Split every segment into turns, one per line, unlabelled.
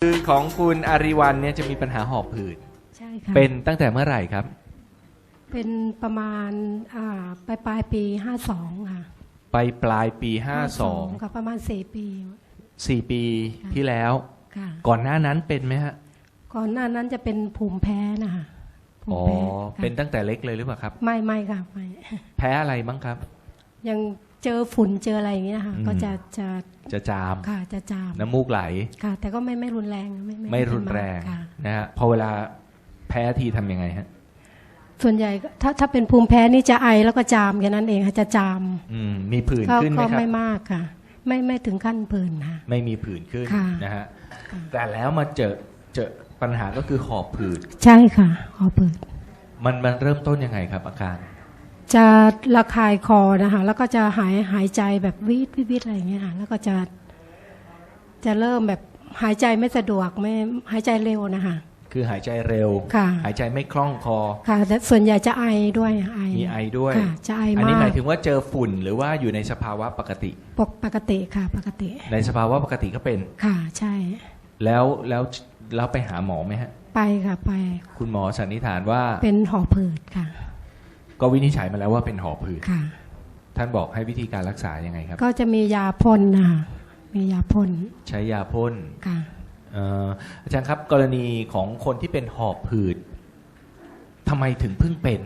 คือของคุณอาริวัลเนี่ยจะมีปัญหาหอบหืด
ใช่ค่ะ
เป็นตั้งแต่เมื่อไหร่ครับ
เป็นประมาณปลายปี52ค่ะ
ปลายปี52
ค่ะประมาณ4 ปี
4 ปีที่แล้ว
ค่ะ
ก่อนหน้านั้นเป็นไหมฮะ
ก่อนหน้านั้นจะเป็นภูมิแพ้นะคะภูมิแพ้
เป็นตั้งแต่เล็กเลยหรือเปล่าครับ
ไม่ค่ะไม่
แพ้อะไรบ้างครับ
ยังเจอฝุ่นเจออะไรอย่างเงี้ยค่ะก็จะ
จาม
ค่ะจะจาม
น้ำมูกไหล
ค่ะแต่ก็ไม่รุนแรง
ไม่รุนแรงนะฮะพอเวลาแพ้ทีทำยังไงฮะ
ส่วนใหญ่ถ้าเป็นภูมิแพ้นี่จะไอแล้วก็จามแค่นั้นเองค่ะจะจาม
มีผื่นขึ้นไหมครับ
ก็ไม่มากค่ะไม่ถึงขั้นผื่นค่ะ
ไม่มีผื่นขึ้นนะฮะแต่แล้วมาเจอปัญหาก็คือหอบผืด
ใช่ค่ะหอบผืด
มันเริ่มต้นยังไงครับอาการ
จะระคายคอนะคะแล้วก็จะหายใจแบบวิดอะไรอย่างเงี้ยค่ะแล้วก็จะเริ่มแบบหายใจไม่สะดวกไม่หายใจเร็วนะคะ
คือหายใจเร็วหายใจไม่คล่องคอ
ค่ะแต่ส่วนใหญ่จะไอด้วย
มีไอด้วย
จะไอมาก
อันนี้หมายถึงว่าเจอฝุ่นหรือว่าอยู่ในสภาวะปกติ
ปกติค่ะปกติ
ในสภาวะปกติก็เป็น
ค่ะใช่
แล้วไปหาหมอไหมฮะ
ไปค่ะไป
คุณหมอสันนิษฐานว่า
เป็นหอบผืดค่ะ
ก็วินิจฉัยมาแล้วว่าเป็นหอบผืด
ค่ะ
ท่านบอกให้วิธีการรักษายังไงครับ
ก็จะมียาพ่นนะคะมียาพ่น
ใช้ยาพ่น
ค่ะ
อาจารย์ครับกรณีของคนที่เป็นหอบหืดทำไมถึงเพิ่งเป็น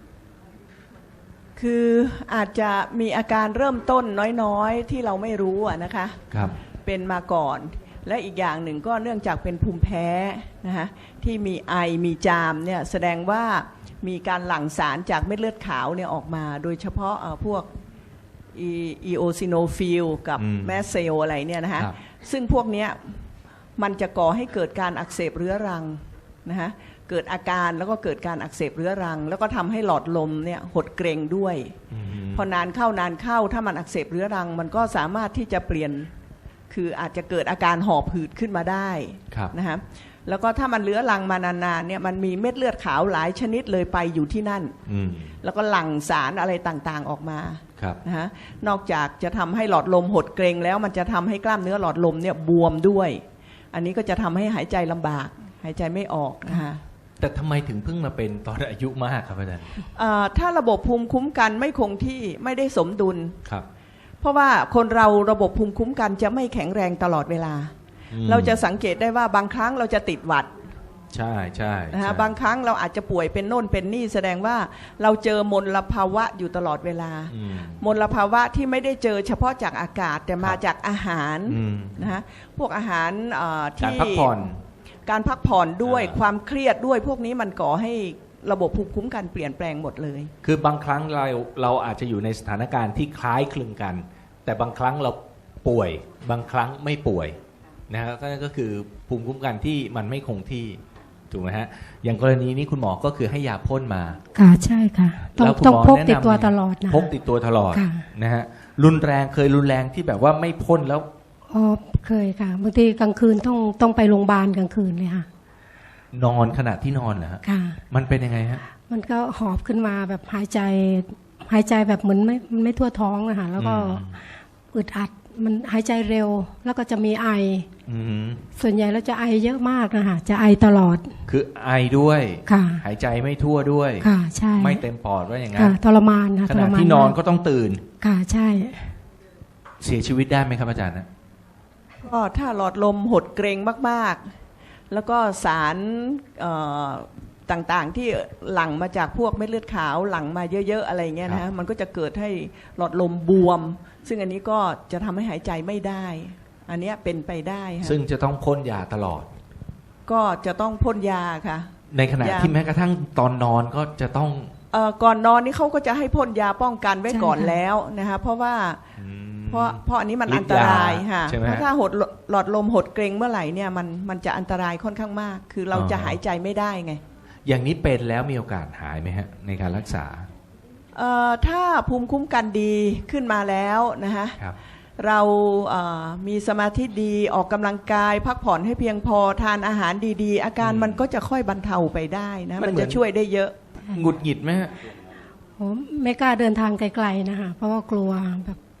คืออาจจะมีอาการเริ่มต้นน้อยๆที่เราไม่รู้นะคะ
ครับ
เป็นมาก่อนและอีกอย่างหนึ่งก็เนื่องจากเป็นภูมิแพ้นะคะที่มีไอมีจามเนี่ยแสดงว่ามีการหลั่งสารจากเม็ดเลือดขาวเนี่ยออกมาโดยเฉพาะพวกอีโอซิโนฟิลกับแมสเซลอะไรเนี่ยนะคะซึ่งพวกเนี้ยมันจะก่อให้เกิดการอักเสบเรื้อรังนะคะเกิดอาการแล้วก็เกิดการอักเสบเรื้อรังแล้วก็ทำให้หลอดลมเนี่ยหดเกร็งด้วยพอนานเข้ถ้ามันอักเสบเรื้อรังมันก็สามารถที่จะเปลี่ยนคืออาจจะเกิดอาการหอบหืดขึ้นมาได้นะคะแล้วก็ถ้ามันเรื้อรังมานานๆเนี่ยมันมีเม็ดเลือดขาวหลายชนิดเลยไปอยู่ที่นั่นแล้วก็หลั่งสารอะไรต่างๆออกมานะฮะนอกจากจะทำให้หลอดลมหดเกร็งแล้วมันจะทำให้กล้ามเนื้อหลอดลมเนี่ยบวมด้วยอันนี้ก็จะทำให้หายใจลำบากหายใจไม่ออกนะคะ
แต่ทำไมถึงเพิ่งมาเป็นตอนอายุมากครับอาจารย์
ถ้าระบบภูมิคุ้มกันไม่คงที่ไม่ได้สมดุล
ครับ
เพราะว่าคนเราระบบภูมิคุ้มกันจะไม่แข็งแรงตลอดเวลาเราจะสังเกตได้ว่าบางครั้งเราจะติดหวัด
ใช่ใช่
นะคะบางครั้งเราอาจจะป่วยเป็นโน่นเป็นนี่แสดงว่าเราเจอมลภาวะอยู่ตลอดเวลามลภาวะที่ไม่ได้เจอเฉพาะจากอากาศแต่มาจากอาหารนะคะพวกอาหารที่การพักผ่อนด้วยความเครียดด้วยพวกนี้มันก่อให้ระบบภูมิคุ้มกันเปลี่ยนแปลงหมดเลย
คือบางครั้งเราอาจจะอยู่ในสถานการณ์ที่คล้ายคลึงกันแต่บางครั้งเราป่วยบางครั้งไม่ป่วยนะครับนั่นก็คือภูมิคุ้มกันที่มันไม่คงที่ถูกไหมฮะอย่างกรณีนี้คุณหมอก็คือให้ยาพ่นมา
ค่ะใช่ค่ะต้องพกติดตัวตลอดนะ
พกติดตัวตลอดนะฮะรุนแรงเคยรุนแรงที่แบบว่าไม่พ่นแล้ว
เคยค่ะบางทีกลางคืนต้องไปโรงพยาบาลกลางคืนเลยค่ะ
นอนขณะที่นอนเหรอฮะ
ค่ะ
มันเป็นยังไงฮะ
มันก็หอบขึ้นมาแบบหายใจแบบเหมือนไม่ทั่วท้องนะคะแล้วก็อึดอัดมันหายใจเร็วแล้วก็จะมีไอส่วนใหญ่แล้วจะไอเยอะมากนะคะจะไอตลอด
คือไอด้วย
ค่ะ
หายใจไม่ทั่วด้วย
ค่ะใช่
ไม่เต็มปอดว่าอย่างนั้
นทรมานค่ะ
ขณะที่นอนก็ต้องตื่น
ค่ะใช่
เสียชีวิตได้ไหมครับอาจารย์นะ
ก็ถ้าหลอดลมหดเกร็งมากๆแล้วก็สารต่างๆที่หลั่งมาจากพวกเม็ดเลือดขาวหลั่งมาเยอะๆอะไรเงี้ยนะมันก็จะเกิดให้หลอดลมบวมซึ่งอันนี้ก็จะทำให้หายใจไม่ได้อันนี้เป็นไปได้
ซึ่งจะต้องพ่นยาตลอด
ก็จะต้องพ่นยาค่ะ
ในขณะที่แม้กระทั่งตอนนอนก็จะต้อง
ก่อนนอนนี่เขาก็จะให้พ่นยาป้องกันไว้ก่อนแล้วนะคะเพราะว่าเพราะอันนี้มันอันตรายค่ะเพราะถ้าหลอดลมหดเกร็งเมื่อไหร่เนี่ยมันจะอันตรายค่อนข้างมากคือเราจะหายใจไม่ได้ไง
อย่างนี้เป็นแล้วมีโอกาสหายไหมฮะในการรักษา
ถ้าภูมิคุ้มกันดีขึ้นมาแล้วนะคะเรามีสมาธิดีออกกำลังกายพักผ่อนให้เพียงพอทานอาหารดีๆอาการมันก็จะค่อยบรรเทาไปได้นะมันจะช่วยได้เยอะ
หงุดหงิดไหมฮะ
ผมไม่กล้าเดินทางไกลๆนะคะเพราะว่ากลัวแบบ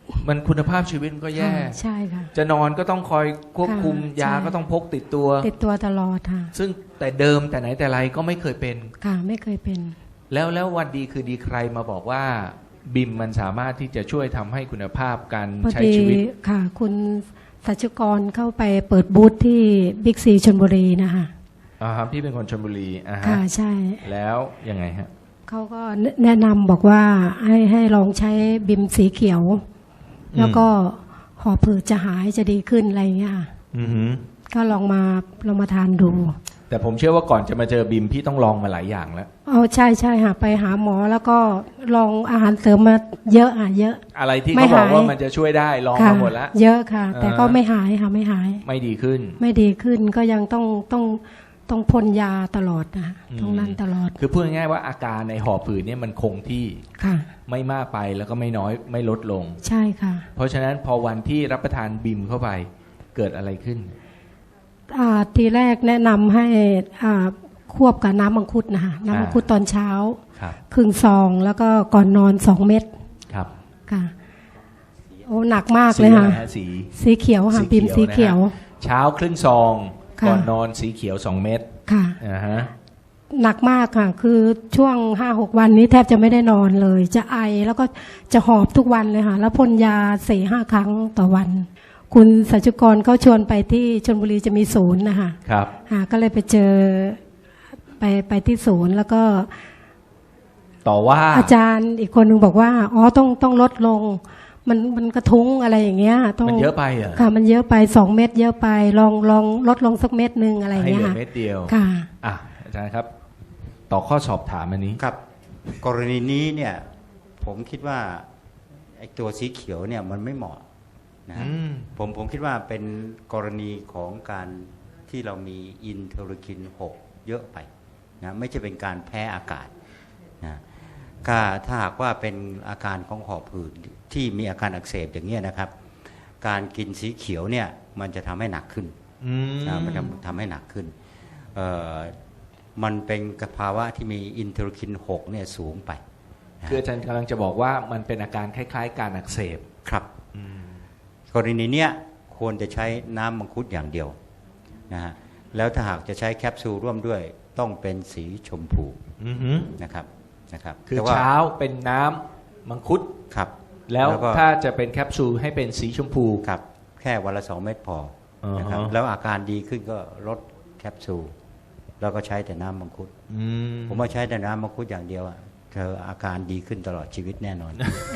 มันคุณภาพชีวิตมันก็แย่
ค่ะใช่ค่ะ
จะนอนก็ต้องคอยควบคุม
ค่ะ
ยา
ใช่
ก็ต้องพกติดตัว
ติดตัวตลอดค่ะ
ซึ่งแต่เดิมแต่ไหนแต่ไรก็ไม่เคยเป็น
ค่ะไม่เคยเป็น
แล้ววันดีคือดีใครมาบอกว่าบิมมันสามารถที่จะช่วยทำให้คุณภาพการ
พอ
ใช้
ดี
ชีวิต
ค่ะ คุณสัชกรเข้าไปเปิดบูธที่บิ๊กซีชลบุรีนะคะ
ครับพี่เป็นคนชลบุรีฮะ
ค่ะใช่
แล้วยังไงฮะ
เขาก็แนะนำบอกว่าให้ลองใช้บิมสีเขียว แล้วก็หอบผืดจะหายจะดีขึ้นอะไรอย่างเงี้ยค่ะ
อือหือ
ก็ลองมาทานดู
แต่ผมเชื่อว่าก่อนจะมาเจอบิมพี่ต้องลองมาหลายอย่างแล้ว
เอาใช่ใช่ค่ะไปหาหมอแล้วก็ลองอาหารเสริมมาเยอะเยอะ
อะไรที่
ไม่
เขาบอก
หาย
ว่ามันจะช่วยได้ลอง
ค่ะ
มาหมดแล้ว
เยอะค่ะ แต่ก็ไม่หายค่ะไม่หาย
ไม่ดีขึ้น
ไม่ดีขึ้นก็ยังต้องพ่นยาตลอดนะ
อืม
ตรงนั้นตลอด
คือพูดง่ายๆว่าอาการในหอบผืดเนี่ยมันคงที่
ค่ะ
ไม่มากไปแล้วก็ไม่น้อยไม่ลดลง
ใช่ค่ะ
เพราะฉะนั้นพอวันที่รับประทานบิมเข้าไปเกิดอะไรขึ้น
ทีแรกแนะนำให้ควบกับน้ำมังคุดนะคะน้ำมังคุดตอนเช้า
ครับ
ครึ่งซองแล้วก็ก่อนนอน2 เม็ด
ครับ
ค่ะโอ้หนักมากเลยค่ะ
สีอะไรฮะสี
สีเขียวค่ะบิมสีเขียว
เช้าครึ่งซอง
ค่ะ
ก่อนนอนสีเขียว2 เม็ด
ค่ะ
อ่าฮะ
หนักมากค่ะ คือช่วง 5-6 วันนี้แทบจะไม่ได้นอนเลย จะไอแล้วก็จะหอบทุกวันเลยค่ะ แล้วพ่นยา 4-5 ครั้งต่อวัน คุณสัจจุกรเขาชวนไปที่ชลบุรีจะมีศูนย์นะคะ
ครับ
ก็เลยไปเจอไปที่ศูนย์แล้วก็
ต่อว่า
อาจารย์อีกคนหนึ่งบอกว่าอ๋อต้องลดลง มันกระทุ้งอะไรอย่างเงี้ยต้อง
มันเยอะไปเหรอ
ค่ะมันเยอะไป2 เม็ดเยอะไปลองลดลงสักเม็ดนึงอะไรอย่าง
ให้
เงี้
เห
ย
ลือ
ค่ะ
เม็ดเดียว
ค่ะ
อ่ะอาจารย์ครับ ต่อข้อสอบถามอันนี้
ครับกรณีนี้เนี่ยผมคิดว่าไอ้ตัวสีเขียวเนี่ยมันไม่เหมาะนะฮะ
อืม
ผมคิดว่าเป็นกรณีของการที่เรามีอินเทอร์คิน 6 เยอะไปนะไม่ใช่เป็นการแพ้อากาศนะถ้าหากว่าเป็นอาการของหอบหืดที่มีอาการอักเสบอย่างนี้ยนะครับ การกินสีเขียวเนี่ยมันจะทำให้หนักขึ้น
อืม
นะมันทำให้หนักขึ้นมันเป็นภาวะที่มีอินเทอร์คิน 6 เนี่ยสูงไปนะ
คืออาจารย์กำลังจะบอกว่ามันเป็นอาการคล้ายๆ การอักเสบ
ครับ
อืม
กรณีเนี้ยควรจะใช้น้ำมังคุดอย่างเดียวนะฮะแล้วถ้าหากจะใช้แคปซูลร่วมด้วยต้องเป็นสีชมพู
อือหือ
นะครับ
คือ
แต่ว่า
เช้าเป็นน้ำมังคุด
ครับ
แล้ว
ก็
ถ้าจะเป็นแคปซูลให้เป็นสีชมพู
ครับแค่วันละ 2 เม็ดพอนะครับ
อ่าฮะ
แล้วอาการดีขึ้นก็ลดแคปซูลแล้วก็ใช้แต่น้ำมังคุด
อืม
ผมว่าใช้แต่น้ำมังคุดอย่างเดียวอะเธออาการดีขึ้นตลอดชีวิตแน่นอน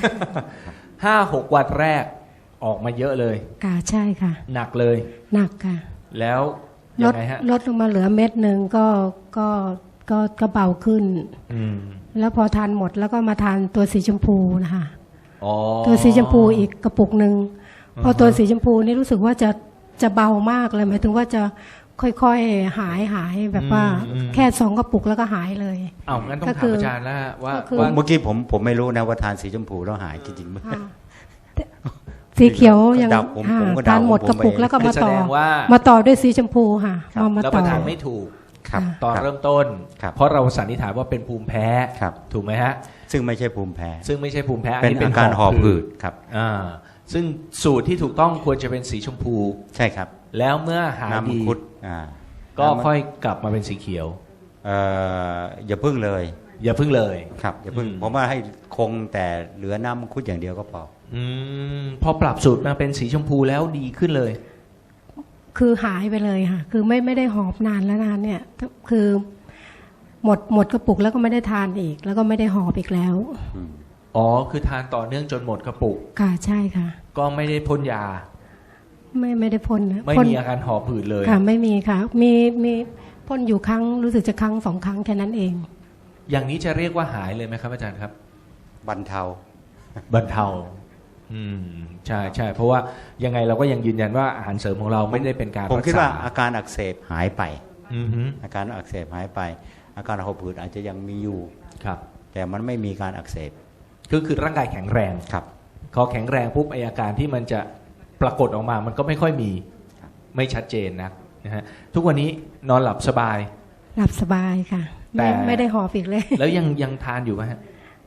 5-6 วันแรกออกมาเยอะเลย
ค่ะใช่ค่ะ
หนักเลย
หนักค่ะ
แล้ว
ล
ยั
ด
งไงฮะ
ลดลงมาเหลือเม็ดหนึ่งก็เบาขึ้น
อืม
แล้วพอทานหมดแล้วก็มาทานตัวสีชมพูนะคะ
อ๋อ
ตัวสีชมพูอีกกระปุกหนึ่ง
อ่าฮะ
พอตัวสีชมพูนี่รู้สึกว่าจะเบามากเลยหมายถึงว่าจะค่อยๆหายแบบว่าแค่2 กระปุกแล้วก็หายเลย
เอ้างั้นต้อง
ก็
ถา
คื
ม
อ
อาจารย์แล้วว่า
ก็คือ
ว่า
เมื่อกี้ผมไม่รู้นะว่าทานสีชมพูแล้วหายจริงๆไหม
ค่ะสีเขียวยัง
เดาผม
ค่ะ
ก็เดา
ทานหมด
ผม
กระปุก
เอง
แล้วก็
คือ
มา
แส
ต่อ
ดงว่า
มาต่อด้วยสีชมพูค่ะ
ครับ
มา
รับป
ต่อ
ระทานไม่ถูก
ครับ
ตอน
ครับ
เริ่มต้น
ครับ
เพราะเราสันนิษฐานว่าเป็นภูมิแพ้
ครับ
ถูกไหมฮะ
ซึ่งไม่ใช่ภูมิแพ้
ซึ่งไม่ใช่ภูมิแพ้
เป็นอาการหอบหืดครับ
อ่าซึ่งสูตรที่ถูกต้องควรจะเป็นสีชมพู
ใช่ครับ
แล้วเมื่อหาย
น้ำมัง
ดี
คุด
ก็ค่อยกลับมาเป็นสีเขียว
อย่าพึ่งเลย
อย่าเพิ่งเลย
ครับอย่าพึ่ง
อืม
ผมว่าให้คงแต่เหลือน้ำมังคุดอย่างเดียวก็พอ
พอปรับสูตรมาเป็นสีชมพูแล้วดีขึ้นเลย
คือหายไปเลยค่ะ คือไม่ได้หอบนานแล้วนานเนี่ยคือหมดกระปุกแล้วก็ไม่ได้ทานอีก แล้วก็ไม่ได้หอบอีกแล้ว
อ๋อคือทานต่อเนื่องจนหมดกระปุก
ค่ะใช่ค่ะ
ก็ไม่ได้พ่นยา
ไม่ได้พ่นนะ
ไม่
พ่น
มีอาการหอบหืดเลย
ค่ะไม่มีค่ะ มีพ่นอยู่ครั้งรู้สึกจะครั้ง2 ครั้งแค่นั้นเอง
อย่างนี้จะเรียกว่าหายเลยไหมครับอาจารย์ครับ
บรรเทา
บรรเทาใช่ใช่เพราะว่ายังไงเราก็ยังยืนยันว่าอาหารเสริมของเราไม่ได้เป็นการ
ผมคิด
รักษ
ว่าอาการอักเสบหายไป
อือฮึ
อาการอักเสบหายไป อาการหอบหืดอาจจะยังมีอยู่
ครับ
แต่มันไม่มีการอักเสบ
คือร่างกายแข็งแรง
ครับ
พอแข็งแรงปุ๊บไออาการที่มันจะปรากฏออกมามันก็ไม่ค่อยมี
ครับ
ไม่ชัดเจนนะฮะทุกวันนี้นอนหลับสบาย
หลับสบายค่ะ
แต่
ไม่ได้หอบอีกเลย
แล้วยังทานอยู่ไหมฮะ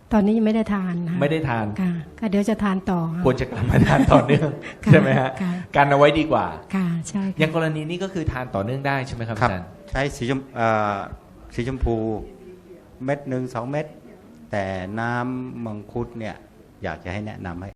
ตอนนี้ยังไม่ได้ทานนะ
ไม่ได้ทาน
ค่ะก็เดี๋ยวจะทานต่อค่ะ
ควรจะกลับมาทานต่อเนื่อง
ค่ะ
ใช่ไหมฮะ
ค่ะ
กันเอาไว้ดีกว่า
ค่ะใช่
อ
ค่ะ
ย่างกรณีนี้ก็คือทานต่อเนื่องได้ใช่ไหมครับ
ครับ
อาจารย์
ใช้สีชมพูเม็ดหนึ่ง2 เม็ดแต่น้ำมังคุดเนี่ยอยากจะให้แนะนำให้